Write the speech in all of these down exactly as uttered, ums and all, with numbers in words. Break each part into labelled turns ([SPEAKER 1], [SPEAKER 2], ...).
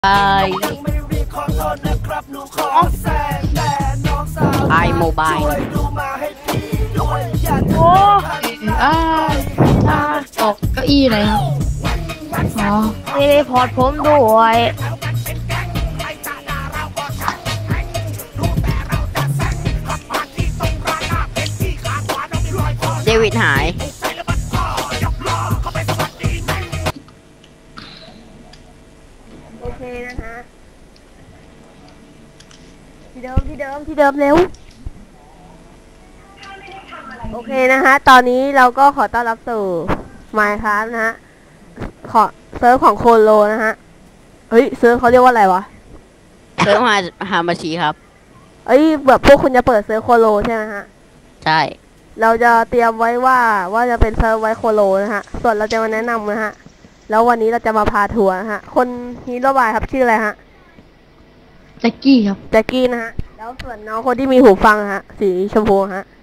[SPEAKER 1] ไอไอโมบาย
[SPEAKER 2] โอ้อาอาตกเก้าอี้เลยครับอ๋อ
[SPEAKER 3] มีรีพอร์ตผมด้วย
[SPEAKER 1] เดวิดหาย
[SPEAKER 3] โอเคนะฮะที่เดิมที่เดิมที่เดิมเร็วโอเคนะฮะตอนนี้เราก็ขอต้อนรับสู่ Minecraft นะฮะขอเซิร์ฟของโคโลนะฮะเฮ้ยเซิร์ฟเขาเรียกว่าอะไรวะ
[SPEAKER 1] เซิร์ฟหาหามาชีครับ
[SPEAKER 3] เอ้ยแบบพวกคุณจะเปิดเซิร์ฟโคโลใช่ไหมฮะ
[SPEAKER 1] ใช่
[SPEAKER 3] เราจะเตรียมไว้ว่าว่าจะเป็นเซิร์ฟไว้โคโลนะฮะส่วนเราจะมาแนะนำนะฮะแล้ววันนี้เราจะมาพาทัวร์นะฮะคนฮีโร่บายครับชื่ออะไรฮะ
[SPEAKER 2] แจ็คกี้ครับ
[SPEAKER 3] แจ็คกี้นะฮะแล้วส่วนน้องคนที่มีหูฟังฮะสีชมพูฮะ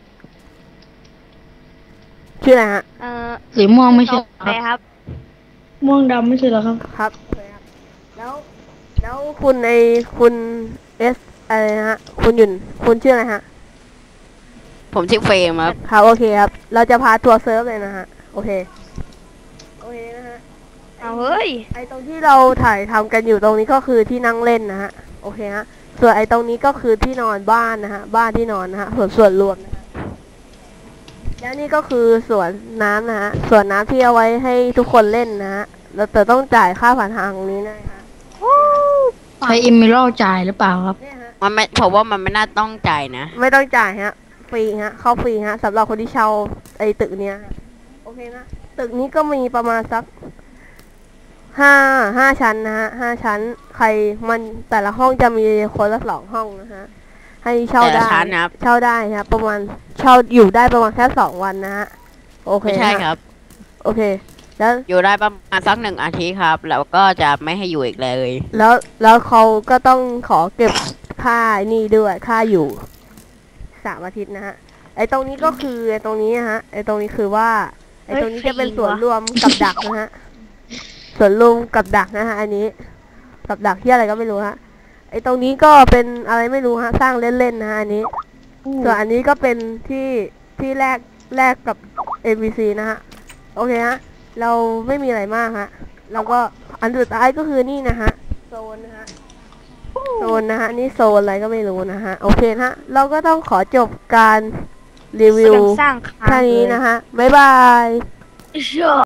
[SPEAKER 3] ชื่ออะไรฮะ
[SPEAKER 2] เอ่อสีม่วงไม่ใช่
[SPEAKER 3] ครับ
[SPEAKER 2] ม่วงดำไม่ใช่เหรอครับ
[SPEAKER 3] ครับแล้วแล้วคุณไอคุณเอสอะไรนะฮะคุณยุนคุณชื่ออะไรฮะ
[SPEAKER 1] ผมชื่อเฟรมครับ
[SPEAKER 3] ครับโอเคครับเราจะพาทัวร์เซิร์ฟเลยนะฮะโอเคโอเคนะฮะ
[SPEAKER 2] เอาเฮ้ย
[SPEAKER 3] ไอตรงที่เราถ่ายทำกันอยู่ตรงนี้ก็คือที่นั่งเล่นนะฮะโอเคฮะส่วนไอตรงนี้ก็คือที่นอนบ้านนะฮะบ้านที่นอนนะฮะส่วนส่วนรวมนะฮะแล้วนี่ก็คือสวนน้ำนะฮะสวนน้ำที่เอาไว้ให้ทุกคนเล่นนะฮะเราแต่ต้องจ่ายค่าผ่านทางนี้นะฮะ
[SPEAKER 2] ใช้อิมมิโลจ่ายหรือเปล่าครับ
[SPEAKER 1] มันไม่ผมว่ามันไม่น่าต้องจ่ายนะ
[SPEAKER 3] ไม่ต้องจ่ายฮะฟรีฮะเข้าฟรีฮะสำหรับคนที่เช่าไอตึกเนี้ยโอเคนะตึกนี้ก็มีประมาณสักห้าห้าชั้นนะฮะห้าชั้นใครมันแต่ละห้องจะมีคนละสองห้องนะฮะให้เช่าได้เช่าได้ครับประมาณเช่าอยู่ได้ประมาณแค่สองวันนะฮะโอเค
[SPEAKER 1] ไม่ใช่ครับ
[SPEAKER 3] โอเคแล้ว
[SPEAKER 1] อยู่ได้ประมาณสักหนึ่งอาทิตย์ครับแล้วก็จะไม่ให้อยู่อีกเลย
[SPEAKER 3] แล้วแล้วเขาก็ต้องขอเก็บค่านี่ด้วยค่าอยู่สามอาทิตย์นะฮะไอตรงนี้ก็คือไอตรงนี้ฮะไอตรงนี้คือว่าไอตรงนี้จะเป็นส่วนรวมกับดักนะฮะส่วนรวมกับดักนะฮะอันนี้กับดักที่อะไรก็ไม่รู้ฮะไอตรงนี้ก็เป็นอะไรไม่รู้ฮะสร้างเล่นๆนะฮะอันนี้ส่วนอันนี้ก็เป็นที่ที่แรกแรกกับ เอ็ม วี ซี นะฮะโอเคฮะเราไม่มีอะไรมากฮะแล้วก็อันสุดท้ายก็คือนี่นะฮะโซนนะฮะโซนนะฮะนี่โซนอะไรก็ไม่รู้นะฮะโอเคฮะเราก็ต้องขอจบการรีวิวแค่นี้นะฮะบ๊ายบาย